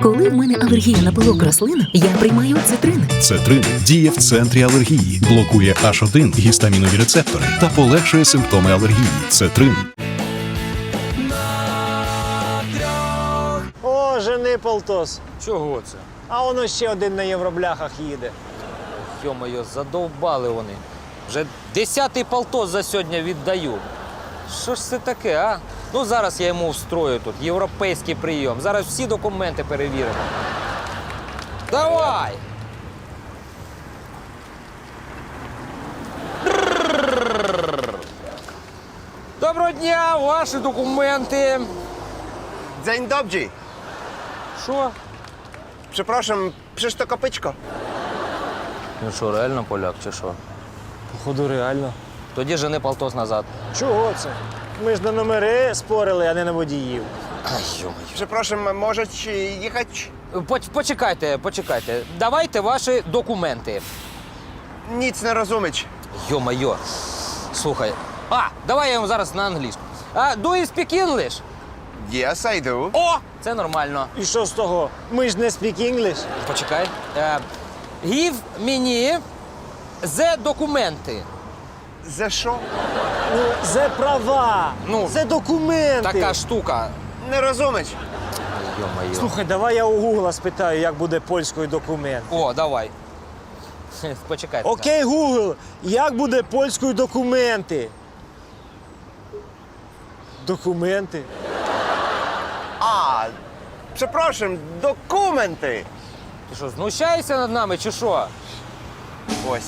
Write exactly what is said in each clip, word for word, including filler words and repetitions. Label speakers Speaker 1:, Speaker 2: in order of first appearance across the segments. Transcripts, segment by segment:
Speaker 1: Коли в мене алергія на пилок рослин, я приймаю цитрин.
Speaker 2: Цетрин діє в центрі алергії, блокує аш один гістамінові рецептори та полегшує симптоми алергії. Цетрин.
Speaker 3: О, жени полтос.
Speaker 4: Чого це?
Speaker 3: А воно ще один на євробляхах їде.
Speaker 4: Йо-моє, задовбали вони. Вже десятий полтос за сьогодні віддаю. Що ж це таке, а? Ну, зараз я йому встрою тут європейський прийом. Зараз всі документи перевіримо. Давай! Доброго дня, ваші документи.
Speaker 5: Dzień dobry.
Speaker 4: Що?
Speaker 5: Przepraszam, przecież to kopyczko.
Speaker 4: Ну що, реально поляк чи що?
Speaker 3: Походу, реально.
Speaker 4: Тоді жени полтос назад.
Speaker 3: Чого це? Ми ж на номери спорили, а не на водіїв.
Speaker 4: Ай, йо-моє.
Speaker 5: Przepraszam, możecie jechać?
Speaker 4: Поч- Почекайте, почекайте. Давайте ваші документи.
Speaker 5: Nic nie rozumieć.
Speaker 4: Йо-майо. Слухай. А, давай я йому зараз на англійську. А, do you speak English?
Speaker 5: Yes, I do.
Speaker 4: О, це нормально.
Speaker 3: І що з того? Ми ж не speak English.
Speaker 4: Почекай. Е, give мені the документи.
Speaker 5: Ze що?
Speaker 3: Ну, це права,
Speaker 4: Ну,
Speaker 3: це документи.
Speaker 4: Така штука.
Speaker 5: Не розумієш?
Speaker 4: Йо-майо.
Speaker 3: Слухай, давай я у Гугла спитаю, як буде польською документ.
Speaker 4: О, давай. Почекайте.
Speaker 3: Окей, Гугл, як буде польською документи? Документи?
Speaker 5: А, przepraszam, документи.
Speaker 4: Ти що, знущаєшся над нами чи що?
Speaker 5: Ось.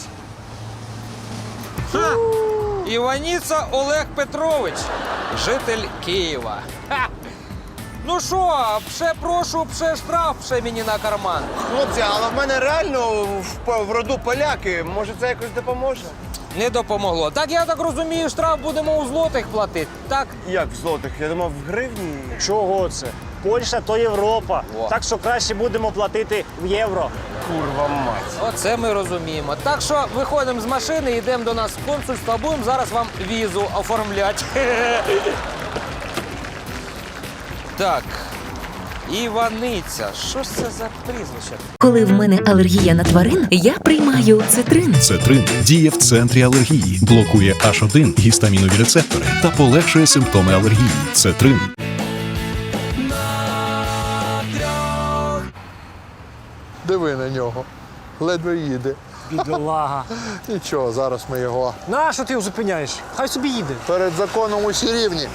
Speaker 4: Ха! Іваніца Олег Петрович, житель Києва. Ха! Ну що, пше прошу, пше штраф, пше мені на карман.
Speaker 5: Хлопці, але в мене реально в, по- в роду поляки. Може, це якось допоможе?
Speaker 4: Не допомогло. Так я так розумію, штраф будемо у злотих платити, так?
Speaker 5: Як в злотих? Я думав, в гривні.
Speaker 3: Чого це? Польща то Європа.
Speaker 4: О.
Speaker 3: Так що краще будемо платити в євро.
Speaker 5: Курва мать.
Speaker 4: Оце ми розуміємо. Так що виходимо з машини, йдемо до нас в консульство, будемо зараз вам візу оформляти. Так. Іваниця. Що ж це за прізвище?
Speaker 1: Коли в мене алергія на тварин, я приймаю цитрин.
Speaker 2: Цетрин діє в центрі алергії, блокує аш один гістамінові рецептори та полегшує симптоми алергії. Цетрин.
Speaker 6: Диви на нього. Ледве їде.
Speaker 3: Бідолага.
Speaker 6: Нічого, зараз ми його
Speaker 3: Нащо ти його зупиняєш? Хай собі їде.
Speaker 6: перед законом усі рівні.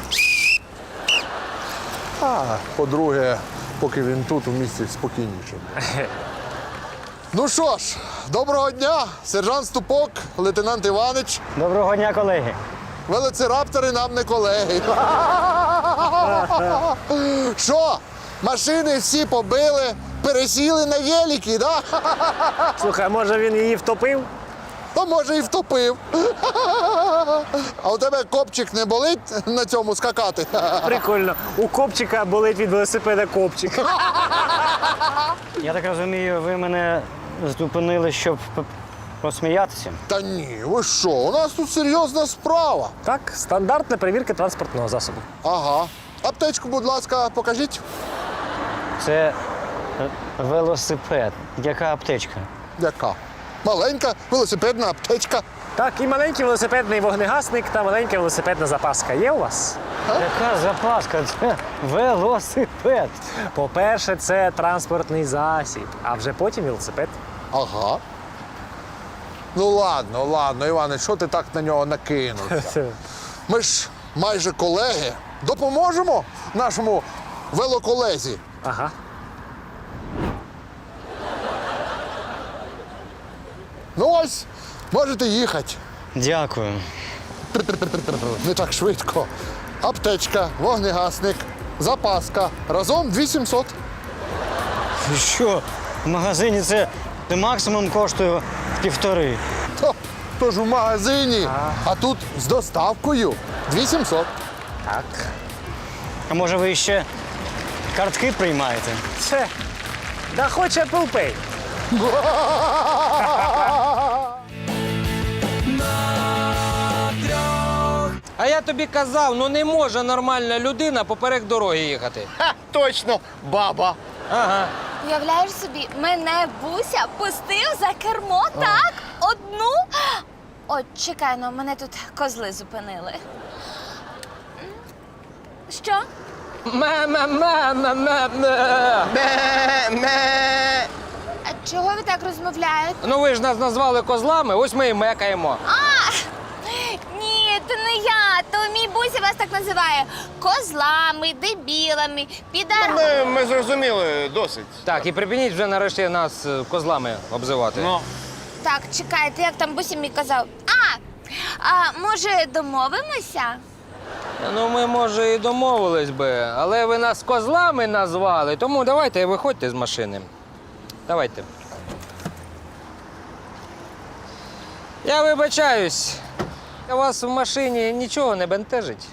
Speaker 6: А, по-друге, поки він тут, у місті спокійніше. Ну що ж, доброго дня, сержант Ступок, лейтенант Іванич.
Speaker 3: Доброго дня, колеги.
Speaker 6: Велоцираптори нам не колеги. Що, машини всі побили, пересіли на велики, да?
Speaker 3: Слухай, може він її втопив?
Speaker 6: То може і втопив. А у тебе копчик не болить на цьому скакати?
Speaker 3: Прикольно. У копчика болить від велосипеда копчик.
Speaker 7: Я так розумію, ви мене зупинили, щоб п- посміятися?
Speaker 6: Та ні, ви що, у нас тут серйозна справа.
Speaker 3: Так, стандартна перевірка транспортного засобу.
Speaker 6: Ага. Аптечку, будь ласка, покажіть.
Speaker 7: Це е, велосипед. Яка аптечка?
Speaker 6: Яка? Маленька велосипедна аптечка.
Speaker 3: Так, і маленький велосипедний вогнегасник та маленька велосипедна запаска є у вас?
Speaker 7: Яка запаска? Це велосипед.
Speaker 3: По-перше, це транспортний засіб, а вже потім велосипед.
Speaker 6: Ага. Ну ладно, ладно, Іване, що ти так на нього накинувся? Ми ж майже колеги. Допоможемо нашому велоколезі.
Speaker 3: Ага.
Speaker 6: Ну ось, можете їхати.
Speaker 7: Дякую.
Speaker 6: Не так швидко. Аптечка, вогнегасник, запаска. Разом дві тисячі сімсот.
Speaker 7: Що? В магазині це максимум коштує півтори.
Speaker 6: То, то ж у магазині, а тут з доставкою дві тисячі сімсот.
Speaker 3: Так.
Speaker 7: А може ви ще картки приймаєте?
Speaker 3: Це. Да хоч Apple Pay.
Speaker 4: А я тобі казав, ну не може нормальна людина поперек дороги їхати.
Speaker 5: Ха, точно, баба.
Speaker 4: Ага.
Speaker 8: Уявляєш собі, мене Буся пустив за кермо, так? Одну? От, чекай, ну мене тут козли зупинили. Що?
Speaker 4: Ме-ме-ме-ме-ме-ме.
Speaker 5: Ме-ме.
Speaker 8: А чого ви так розмовляєте?
Speaker 4: Ну ви ж нас назвали козлами, ось ми і мекаємо.
Speaker 8: А! Ні, то не я, то мій Буся вас так називає. Козлами, дебілами, підар...
Speaker 5: Ми, ми зрозуміли, досить.
Speaker 4: Так, і припиніть вже нарешті нас е, козлами обзивати.
Speaker 5: Ну.
Speaker 8: Так, чекайте, як там Буся мій казав. А, а може домовимося?
Speaker 4: Ну, ми, може, і домовились би, але ви нас козлами назвали, тому давайте виходьте з машини. Давайте. Я вибачаюсь. У вас в машині нічого не бентежить.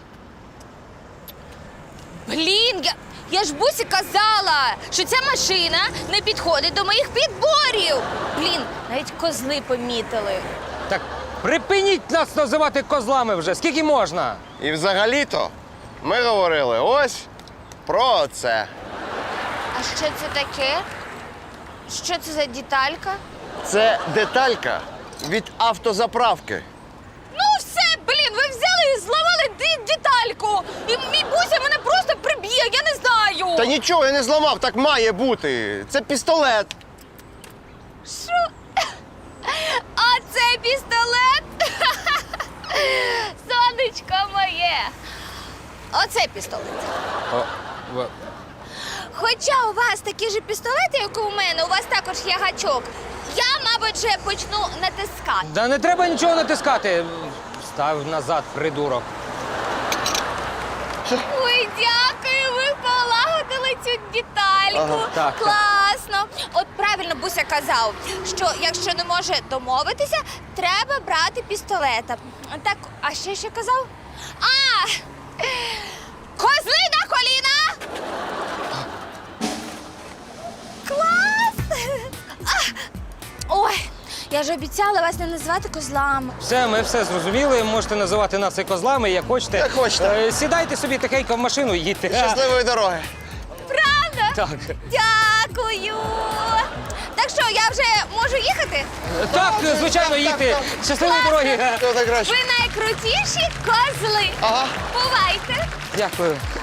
Speaker 8: Блін, я, я ж Бусі казала, що ця машина не підходить до моїх підборів. Блін, навіть козли помітили.
Speaker 4: Так припиніть нас називати козлами вже, скільки можна?
Speaker 5: І взагалі-то ми говорили ось про це.
Speaker 8: А що це таке? Що це за деталька?
Speaker 5: Це деталька від автозаправки.
Speaker 8: Ну все, блін, ви взяли і зламали ді- детальку. І мій Буся мене просто приб'є, я не знаю.
Speaker 5: Та нічого я не зламав, так має бути. Це пістолет.
Speaker 8: Що? А це пістолет? Сонечко моє. Оце пістолет.
Speaker 4: О, в-
Speaker 8: Хоча у вас такі ж пістолети, як у мене, у вас також є гачок. Я, мабуть, вже почну натискати.
Speaker 4: Да не треба нічого натискати. Став назад, придурок.
Speaker 8: Ой, дякую, ви полагодили цю детальку.
Speaker 5: Ага,
Speaker 4: так, так.
Speaker 8: Класно. От правильно Буся казав, що якщо не може домовитися, треба брати пістолета. Так, а ще що казав? А! Козли на коліна! Клас! А! Ой, я ж обіцяла вас не називати козлами.
Speaker 4: Все, ми все зрозуміли. Можете називати нас і козлами, як хочете.
Speaker 5: Як хочете.
Speaker 4: Е, Сідайте собі тихенько в машину і їдьте.
Speaker 5: Щасливої дороги.
Speaker 8: Правда?
Speaker 4: Так.
Speaker 8: Дякую. Так що, я вже можу їхати?
Speaker 4: Так, звичайно, їдьте. Щасливої дороги.
Speaker 5: Все так краще.
Speaker 8: Ви найкрутіші козли.
Speaker 5: Ага.
Speaker 8: Бувайте.
Speaker 4: Дякую.